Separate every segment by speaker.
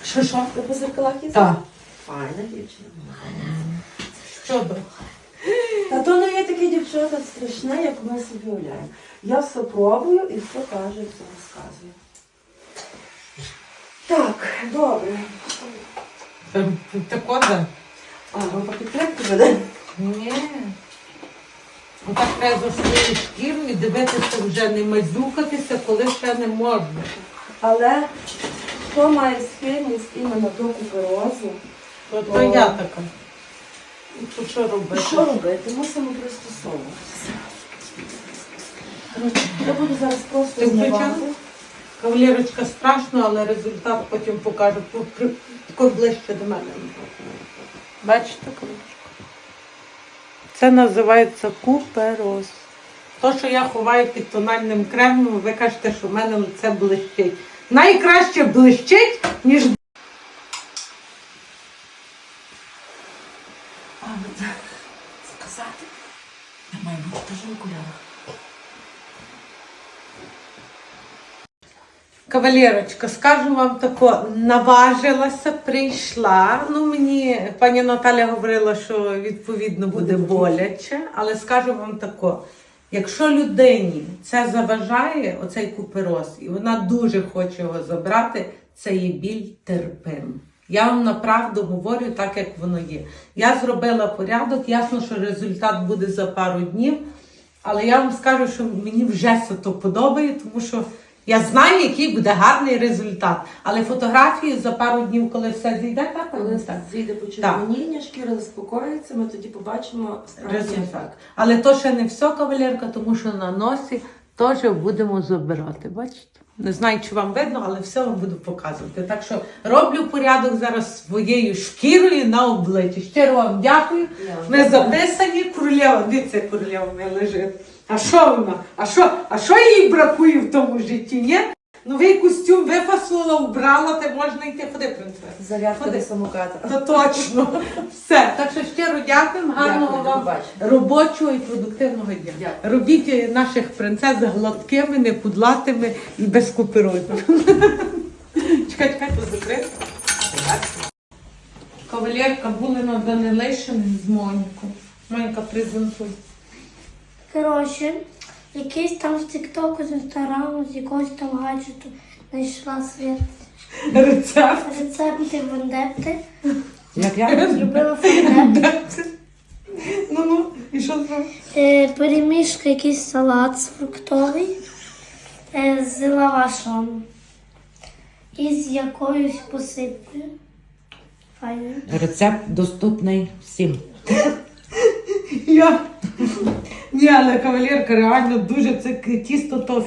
Speaker 1: Що?
Speaker 2: Ти по зеркалах їздиш?
Speaker 1: Так.
Speaker 2: Файна дівчина.
Speaker 1: Що би?
Speaker 2: Та то не є таке дівчата страшне, як ми собі уявляємо. Я все пробую і все кажу, все розказую. Так, добре.
Speaker 1: Так от, да?
Speaker 2: А, ви по підтримку веде?
Speaker 1: Ні. Отак треба за свою шкіру і дивитися вже, не мазюкатися, коли ще не можна.
Speaker 2: Але хто має схильність іменно до куперозу,
Speaker 1: То я така. І то що робити?
Speaker 2: що робити? Мусимо пристосовуватися. Коротше, я буду зараз просто
Speaker 1: Ти
Speaker 2: знімати.
Speaker 1: включала? Кавалерочка, страшно, але результат потім покаже. Тако ближче до мене. Бачите, кавалерочка? Це називається купероз. То, що я ховаю під тональним кремом, ви кажете, що в мене лице блищить. Найкраще блищить, ніж...
Speaker 2: А, сказати. Я маю бути теж в окулярах.
Speaker 1: Кавалерочка, скажу вам тако, наважилася, прийшла. Ну, мені пані Наталя говорила, що відповідно буде боляче, але скажу вам тако, якщо людині це заважає, оцей купероз, і вона дуже хоче його забрати, це є біль терпим. Я вам направду говорю так, як воно є. Я зробила порядок, ясно, що результат буде за пару днів, але я вам скажу, що мені вже це то подобає, тому що я знаю, який буде гарний результат. Але фотографії за пару днів, коли все зійде, так?
Speaker 2: Коли
Speaker 1: так.
Speaker 2: зійде почервоніння, шкіра заспокоїться, ми тоді побачимо справді
Speaker 1: Результат.
Speaker 2: ефект.
Speaker 1: Але то ще не все, кавалерка, тому що на носі теж будемо забирати. Бачите? Не знаю, чи вам видно, але все вам буду показувати. Так що роблю порядок зараз своєю шкірою на обличчі. Щиро вам дякую. Ми записані. Королева, дивіться, королева моя лежить. А що вона? А що їй бракує в тому житті, ні? Новий костюм випасувала, вбрала, ти можна йти. Ходи, принцеса.
Speaker 2: Зарядка
Speaker 1: Ходи.
Speaker 2: до самоката.
Speaker 1: То точно. Все. Так що щиро дякуємо. Гарного
Speaker 2: Дякую, до
Speaker 1: вам
Speaker 2: побачення.
Speaker 1: робочого і продуктивного дня.
Speaker 2: Дякую.
Speaker 1: Робіть наших принцес гладкими, непудлатими і без куперозів. Чекай, тут закрити. Кавалерка були на Данилишини з Монікою. Моніка, презентуй.
Speaker 3: Коротше, якийсь там з Тіктоку, з Інстаграму, з якогось там гаджету знайшла свій
Speaker 1: Рецепт.
Speaker 3: рецепти вендетти.
Speaker 2: Як?
Speaker 3: Зробила вендетти.
Speaker 1: Ну, і що зробиш?
Speaker 3: Перемішка якийсь салат фруктовий з лавашом. І з якоюсь посипкою. Файно.
Speaker 4: Рецепт доступний всім.
Speaker 1: Я. Ні, але кавалерка реально дуже це тісто то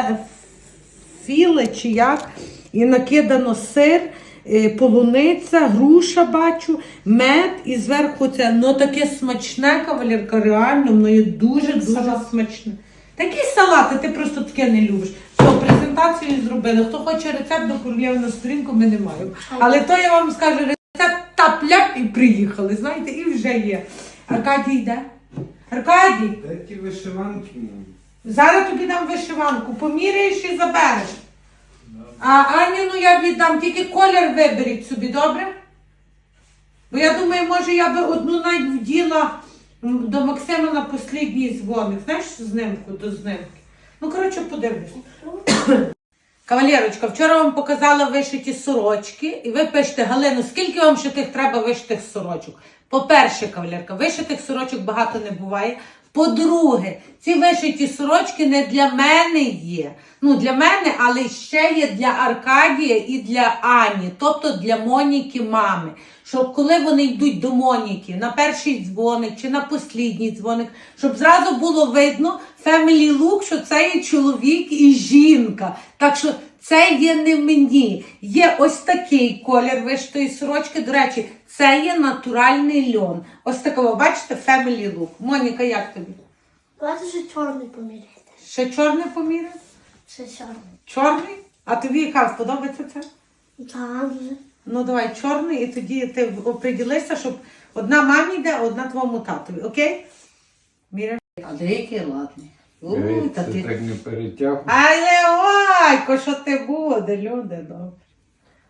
Speaker 1: філе чи як. І накидано сир, полуниця, груша бачу, мед і зверху це, ну таке смачне, кавалерка, реально, воно є дуже-дуже смачне. Такі салати, ти просто таке не любиш. Все, презентацію зробили. Хто хоче рецепт до королеви на сторінку, ми не маємо. Але то я вам скажу, рецепт тап-ляп і приїхали, знаєте, і вже є. Аркадій йде? Аркадій,
Speaker 5: Де ті вишиванки?
Speaker 1: зараз тобі дам вишиванку, поміряєш і забереш. А Аніну я віддам, тільки колір виберіть собі, добре? Бо я думаю, може я би одну навіть вділа до Максима на послідній дзвоник. Знаєш, знимку до знимки. Ну, коротше, подивлюсь. Кавалерочка, вчора вам показала вишиті сорочки, і ви пишете, Галину, скільки вам ще тих треба вишитих сорочок? По-перше, кавалерка, вишитих сорочок багато не буває. По-друге, ці вишиті сорочки не для мене є. Ну, для мене, але ще є для Аркадія і для Ані, тобто для Моніки мами. Щоб коли вони йдуть до Моніки на перший дзвоник чи на послідній дзвоник, щоб зразу було видно family look, що це є чоловік і жінка. Так що це є не мені. Є ось такий колір вишитої сорочки. До речі, це є натуральний льон. Ось такого, бачите, family look. Моніка, як тобі?
Speaker 3: Давайте ще чорний поміряйте.
Speaker 1: Ще чорний поміряй?
Speaker 3: Ще чорний.
Speaker 1: Чорний? А тобі яка сподобається це?
Speaker 3: Так, вже.
Speaker 1: Ну давай чорний, і тоді ти оприділися, щоб одна мамі йде, а одна твоєму татові, окей? Міряй. А де який ладний?
Speaker 5: Та ти так не перетягуй.
Speaker 1: Але ойко, що ти буде, люди, добре.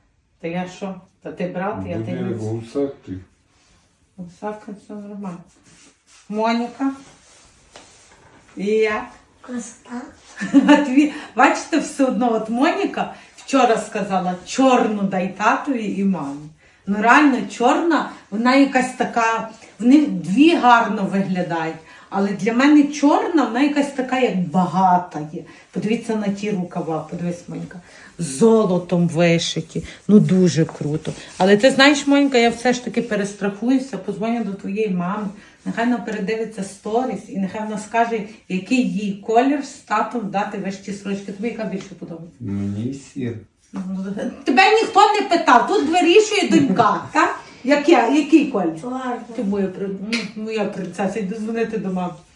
Speaker 1: Та я що? Та ти брат, я
Speaker 5: Буде
Speaker 1: ти
Speaker 5: як гусак ти.
Speaker 1: Сака, все нормально. Моніка. І як?
Speaker 3: Красота.
Speaker 1: Бачите, все одно, от Моніка вчора сказала, чорну дай татові і мамі. Ну реально чорна, вона якась така, вони дві гарно виглядають. Але для мене чорна, вона якась така, як багата є. Подивіться на ті рукава, подивись, Монька. Золотом вишиті. Ну дуже круто. Але ти знаєш, Монька, я все ж таки перестрахуюся, подзвоню до твоєї мами. Нехай вона передивиться сторіс і нехай вона скаже, який їй колір з татом дати вишиті сорочки. Тобі яка більше подобається?
Speaker 5: Мені сір.
Speaker 1: Тебе ніхто не питав, тут вирішує донька, так? Який колір?
Speaker 3: Чорна.
Speaker 1: Ти моя принцеса, йду дзвонити до мами.